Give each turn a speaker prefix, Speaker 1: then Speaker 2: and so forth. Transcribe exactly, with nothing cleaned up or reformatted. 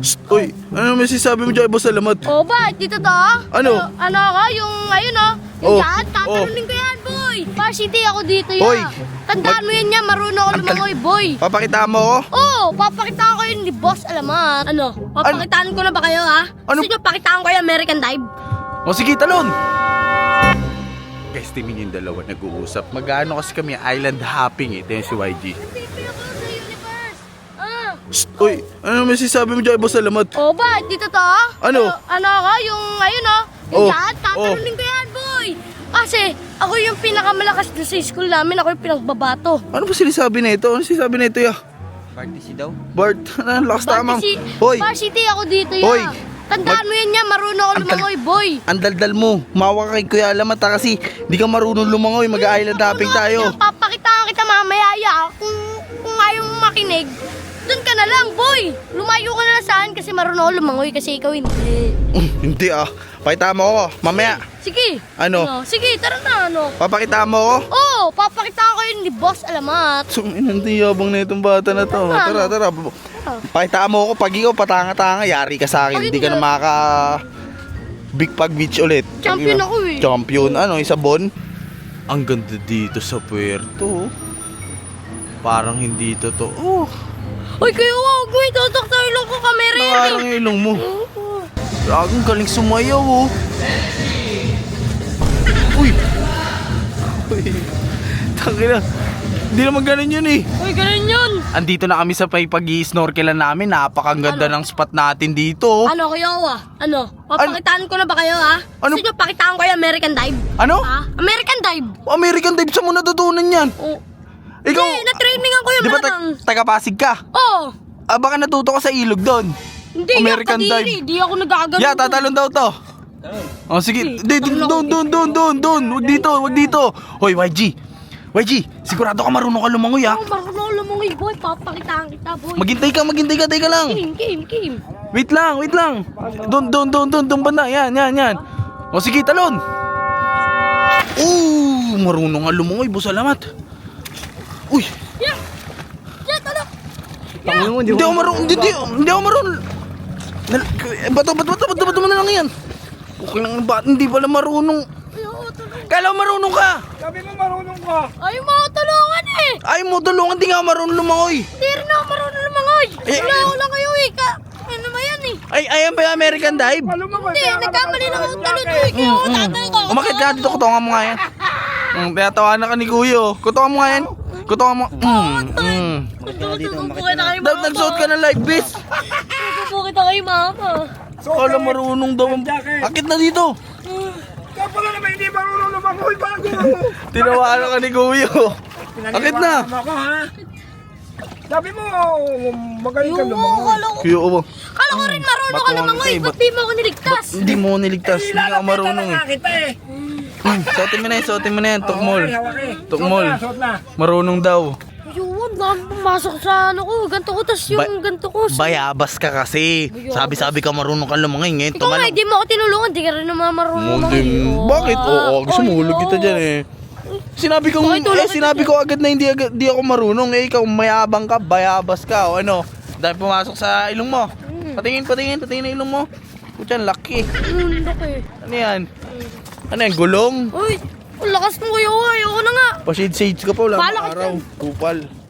Speaker 1: Shh, uy, ano may sinasabi mo dyan, boss Alamat?
Speaker 2: Oh, ba? Dito to?
Speaker 1: Ano?
Speaker 2: Ano, ano ako? Yung, ayun oh. Yung
Speaker 1: Oh,
Speaker 2: dyan, tatalunin ko yan, boy. Varsity ako dito yan.
Speaker 1: Hoy.
Speaker 2: Tandaan mo yan yan, marunong ako
Speaker 1: Ang tal-
Speaker 2: lumangoy, boy.
Speaker 1: Papakita mo ako?
Speaker 2: Oo, oh, papakitaan ko yun ni Boss Alamat. Ano? Papakitaan ko na ba kayo, ha?
Speaker 1: Ano?
Speaker 2: Gusto nyo, pakitaan ko yung American Dive?
Speaker 1: O sige, talon! Guys, tingin yung dalawa nag-uusap. Mag-ano kasi kami, island hopping eh. Ito yung si Y G.
Speaker 2: Nagpipi ako sa universe. Ah.
Speaker 1: Shh, uy, ano may sinasabi mo dyan, boss Alamat?
Speaker 2: Oh, ba? Dito to?
Speaker 1: Ano?
Speaker 2: Ano ako? Yung, ayun oh. Yung
Speaker 1: Oh,
Speaker 2: dyan, tatalunin ko yan, boy. Kasi, ako yung pinakamalakas na sa school namin. Ako yung pinagbabato.
Speaker 1: Ano ba sinasabi na ito? Ano sinasabi na ito, ya?
Speaker 3: Varsity daw?
Speaker 1: Bart, ano, lakas tamang.
Speaker 2: Varsity,
Speaker 1: Hoy,
Speaker 2: varsity ako dito yan.
Speaker 1: Hoy.
Speaker 2: Tandaan mo yan yan, marunong ako
Speaker 1: Ang tal-
Speaker 2: lumangoy, boy.
Speaker 1: ang daldal mo. Mawa ka kay Kuya Alamat ha, kasi di ka marunong lumangoy. Mag-island hopping tayo.
Speaker 2: Papakitaan kita mamaya, ya. Kung, kung ayaw mo makinig, dun ka na lang, boy. Lumayo ka na lang saan kasi marunong ako lumangoy kasi ikaw hindi.
Speaker 1: Hindi ah. Pakita mo ako. Mamaya.
Speaker 2: Sige.
Speaker 1: Ano?
Speaker 2: Sige, tara na, ano.
Speaker 1: Papakita mo ako.
Speaker 2: Oo, oh, papakitaan ko yun ni Boss Alamat.
Speaker 1: So, inanti yabang na itong bata na to. Tara, tara. Pakita mo ako. Pag ikaw patanga-tanga, yari ka sa akin.
Speaker 2: Pag
Speaker 1: Hindi ka na
Speaker 2: hindi-
Speaker 1: maka Big Pag Beach ulit.
Speaker 2: Champion ako eh.
Speaker 1: Champion. Ano, isa bon? Ang ganda dito sa puerto. Parang hindi totoo.
Speaker 2: Uy, kayo, huwag mo itutok sa ilong ko, kamera yan
Speaker 1: Parang
Speaker 2: eh.
Speaker 1: ilong mo.
Speaker 2: Oo.
Speaker 1: Laging galing sumayaw oh. Uy. Uy. Tangina. Hindi naman ganun yun eh.
Speaker 2: Uy, ganun yun.
Speaker 1: Andito na kami sa pay pag-i-snorkelan namin. Napakaganda ng spot natin dito.
Speaker 2: Ano kayo, ah? Ano? Papakitaan ko na ba kayo, ha?
Speaker 1: Ano?
Speaker 2: Gusto nyo, pakitaan ko yung American Dive?
Speaker 1: Ano?
Speaker 2: Ha? American Dive?
Speaker 1: American Dive, saan mo natutunan yan?
Speaker 2: Oh.
Speaker 1: Ikaw,
Speaker 2: Hindi, na-trainingan ko yung
Speaker 1: di ba
Speaker 2: malang.
Speaker 1: ta- taga-Pasig ka?
Speaker 2: Oo.
Speaker 1: Ah, baka natuto ka sa ilog doon.
Speaker 2: Hindi,
Speaker 1: American
Speaker 2: American
Speaker 1: Dive.
Speaker 2: Hindi ako nagagano.
Speaker 1: Yeah, tatalon daw to. Oh, sige. Di, di, doon, doon, doon, doon, doon. Wag dito, wag dito. Hoy, Y G. Y G, sigurado ka marunong ka lumangoy ah.
Speaker 2: Oh, marunong ako lumangoy, boy. Papakitaan kita, boy.
Speaker 1: Maghintay ka, maghintay ka, teka lang.
Speaker 2: Kim, Kim, Kim.
Speaker 1: Wait lang, wait lang. Doon, doon, doon, doon, doon banda. Yan, yan, yan. O sige, talon. Ooh, marunong nga lumangoy, boss Alamat. Uy,
Speaker 2: Yeah. Yeah, tala.
Speaker 3: Tangin mo,
Speaker 1: hindi ako marunong, hindi, hindi, hindi ako marunong. Nal- eh, Bato, bato, bato, bato, bato mo na lang yan. Okay lang, ba, hindi pala marunong.
Speaker 2: Ay, oo, tulungan.
Speaker 1: Kala mo marunong ka.
Speaker 3: Sabi mo marunong ka!
Speaker 2: Ay, mga tulungan eh.
Speaker 1: Ay mo, tulungan, di nga ako marunong lumangoy.
Speaker 2: Hindi rin ako marunong lumangoy.
Speaker 1: Eh,
Speaker 2: Wala ako lang kayo eh. Ka, ano ba yan eh?
Speaker 1: Ay, ayan ba yung American Dive?
Speaker 2: Hindi, nagkamali lang ako talon eh. Kaya ako tatay ko.
Speaker 1: Umakit ka dito, kutongan mo nga yan. Mm, kaya tawanan ka ni Kuya. oh. Kutongan mo nga yan. Kutongan mo. Mm, mm.
Speaker 2: Tutubukit na kayo,
Speaker 1: Dapat
Speaker 2: mama.
Speaker 1: nagsuot ka ng life vest.
Speaker 2: Tutubukit na kayo, mama.
Speaker 1: Kala marunong daw. Akit na dito.
Speaker 3: Kaya pala naman hindi marunong lumangoy bago!
Speaker 1: Tinawanan ka ni Kuya. Akit na.
Speaker 3: Pinaniwalaan ako, ha? Sabi mo, magaling ka
Speaker 2: Yung
Speaker 3: lumangoy.
Speaker 2: kala ko.
Speaker 1: Kuya, oh.
Speaker 2: Kala ko rin marunong ka
Speaker 1: Batuan
Speaker 2: lumangoy.
Speaker 1: ka eh,
Speaker 2: Ba't
Speaker 1: bat-
Speaker 2: di mo ako niligtas?
Speaker 1: Hindi mo ako niligtas. Hindi ka marunong eh.
Speaker 3: kita eh!
Speaker 1: Hmm, Suotin mo na yan, suotin mo na yan. Tukmol.
Speaker 3: Okay, hawak eh.
Speaker 1: Tukmol.
Speaker 3: Suot na, suot na.
Speaker 1: Marunong daw.
Speaker 2: Yun, dami pumasok sa ano ko. Ganto ko, tas yung
Speaker 1: Ba-
Speaker 2: ganto ko.
Speaker 1: Bayabas ka kasi. Sabi-sabi ka marunong ka lumangoy. Ngayon,
Speaker 2: Ikaw nga,
Speaker 1: tumalong.
Speaker 2: hindi mo ako tinulungan. Di ka rin naman marunong
Speaker 1: Hindi.
Speaker 2: lumangoy. Oo,
Speaker 1: Bakit?
Speaker 2: ah.
Speaker 1: Oo, gusto mo
Speaker 2: Ay,
Speaker 1: hulog kita
Speaker 2: oo.
Speaker 1: dyan eh. Sinabi ko,
Speaker 2: Bakit tulog
Speaker 1: eh,
Speaker 2: kita
Speaker 1: sinabi
Speaker 2: dyan?
Speaker 1: ko agad na hindi, agad, hindi ako marunong. Eh, ikaw mayabang ka, bayabas ka, o ano. Dahil pumasok sa ilong mo. Patingin, patingin, patingin na ilong mo. Kutyan, laki.
Speaker 2: Hmm, laki.
Speaker 1: Ano yan? Ano yan, gulong?
Speaker 2: Uy, ang lakas mo kuya. Ayoko na nga.
Speaker 1: Pa-shade-shades ka pa, wala
Speaker 2: Bahala
Speaker 1: pang
Speaker 2: ka
Speaker 1: araw.
Speaker 2: dyan.
Speaker 1: Kupal.